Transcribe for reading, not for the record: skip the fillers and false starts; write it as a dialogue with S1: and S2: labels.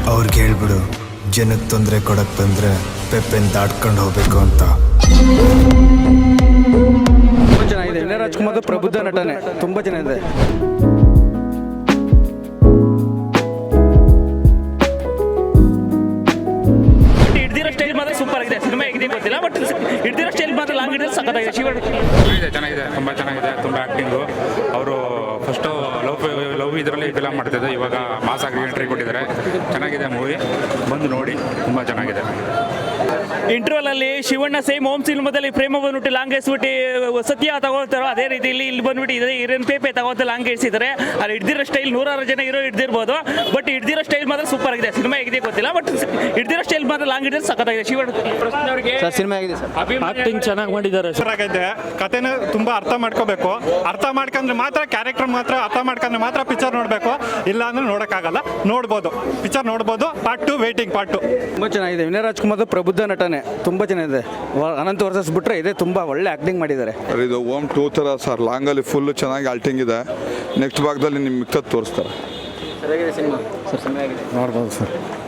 S1: ಅವ್ರಿಗೆ ಹೇಳ್ಬಿಡು ಜನಕ್ಕೆ ತೊಂದರೆ ಕೊಡಕ್ ಬಂದ್ರೆ ಪೆಪ್ಪೆನ್ ದಾಟ್ಕೊಂಡು ಹೋಗ್ಬೇಕು ಅಂತ.
S2: ತುಂಬ ಚೆನ್ನಾಗಿದೆ. ವಿನಯ್ ರಾಜ್ಕುಮಾರ್ ಪ್ರಬುದ್ಧ ನಟನೆ ತುಂಬ ಚೆನ್ನಾಗಿದೆ.
S3: ಹಿಡ್ದಿರೋ ಸ್ಟೈಲ್ ಮಾತ್ರ ಸೂಪರ್ ಆಗಿದೆ. ಸಿನಿಮಾ ಹೇಗಿದೆ ಗೊತ್ತಿಲ್ಲ, ಬಟ್ ಹಿಡ್ದಿರೋ ಸ್ಟೈಲ್ ಮಾತ್ರ ಲಾಂಗ್ ಹಿಡಿದ್ರೆ ಸಖತ್ತಾಗಿದೆ.
S4: ಚೆನ್ನಾಗಿದೆ, ತುಂಬ ಚೆನ್ನಾಗಿದೆ. ತುಂಬ ಆ್ಯಕ್ಟಿಂಗು. ಅವರು ಫಸ್ಟು ಲವ್ ಇದರಲ್ಲಿ ಫಿಲಮ್ ಮಾಡ್ತಿದ್ದು, ಇವಾಗ ಮಾಸಾಗಿ ಎಂಟ್ರಿ ಕೊಟ್ಟಿದ್ದಾರೆ. ಚೆನ್ನಾಗಿದೆ ಮೂವಿ, ಬಂದು ನೋಡಿ, ತುಂಬ ಚೆನ್ನಾಗಿದೆ.
S3: ಇಂಟರ್ವಲ್ ಅಲ್ಲಿ ಶಿವಣ್ಣ ಸೇಮ್ ಹೋಮ್ ಸಿನಿಮಾದಲ್ಲಿ ಪ್ರೇಮ ಬಂದ್ಬಿಟ್ಟು ಲಾಂಗ್ ಎಸ್ಬಿಟ್ಟು ಸತ್ಯ ತಗೊಳ್ತಾರೋ ಅದೇ ರೀತಿ ಇಲ್ಲಿ ಬಂದ್ಬಿಟ್ಟು ಇದೇ ಹಿರನ್ ಪೇಪೆ ತಗೊಳ್ತಾ ಲಾಂಗ್ ಇರಿಸಿದ್ದಾರೆ. ಅಲ್ಲಿ ಹಿಡ್ದಿರೋ ಸ್ಟೈಲ್ 100 ಜನ ಹೀರೋ ಹಿಡ್ದಿರ್ಬೋದು, ಬಟ್ ಹಿಡ್ದಿರೋ ಸ್ಟೈಲ್ ಮಾತ್ರ ಸೂಪರ್ ಆಗಿದೆ. ಸಿನಿಮಾ ಹೇಗಿದೆ ಗೊತ್ತಿಲ್ಲ, ಬಟ್ ಹಿಡ್ದಿರೋ ಸ್ಟೈಲ್ ಮಾತ್ರ ಲಾಂಗ್ ಹಿಡಿದ್ರೆ ಸಖತ್ತಾಗಿದೆ. ಶಿವಣ್ಣ
S2: ಸರ್ ಸಿನಿಮಾ ಹೇಗಿದೆ ಸರ್?
S3: ಆಕ್ಟಿಂಗ್ ಚೆನ್ನಾಗಿ ಮಾಡಿದ್ದಾರೆ.
S5: ಆಗಿದೆ. ಕಥೆನ ತುಂಬಾ ಅರ್ಥ ಮಾಡ್ಕೋಬೇಕು. ಅರ್ಥ ಮಾಡ್ಕೊಂಡ್ರೆ ಮಾತ್ರ ಕ್ಯಾರೆಕ್ಟರ್ ಮಾತ್ರ ಅರ್ಥ ಮಾಡ್ಕೊಂಡ್ರೆ ಮಾತ್ರ ಪಿಕ್ಚರ್ ನೋಡಬೇಕು, ಇಲ್ಲ ಅಂದ್ರೆ ನೋಡೋಕ್ಕಾಗಲ್ಲ. ನೋಡ್ಬೋದು, ಪಿಕ್ಚರ್ ನೋಡ್ಬೋದು. Part 2 waiting. ಪಾರ್ಟ್ 2
S2: ತುಂಬ ಚೆನ್ನಾಗಿದೆ. ವಿನಯ್ ರಾಜ್ಕುಮಾರ್ ಪ್ರಬುದ್ಧ ನಟನೆ ತುಂಬ ಚೆನ್ನಾಗಿದೆ. ಅನಂತ್ ವರ್ಸಸ್ ಬಿಟ್ಟರೆ ಇದೆ, ತುಂಬ ಒಳ್ಳೆ ಆ್ಯಕ್ಟಿಂಗ್ ಮಾಡಿದ್ದಾರೆ.
S6: ಇದು ಓಮ್ 2 ಥರ ಸರ್, ಲಾಂಗಲ್ಲಿ ಫುಲ್ಲು ಚೆನ್ನಾಗಿ ಆಲ್ಟಿಂಗ್ ಇದೆ. ನೆಕ್ಸ್ಟ್ ಭಾಗದಲ್ಲಿ ನಿಮ್ಗೆ ಮಿಕ್ತದ್ದು ತೋರಿಸ್ತಾರೆ.
S2: ಸರಿಯಾಗಿದೆ ಸಿನಿಮಾ ಸರ್, ಚೆನ್ನಾಗಿದೆ,
S6: ನೋಡ್ಬೋದು ಸರ್.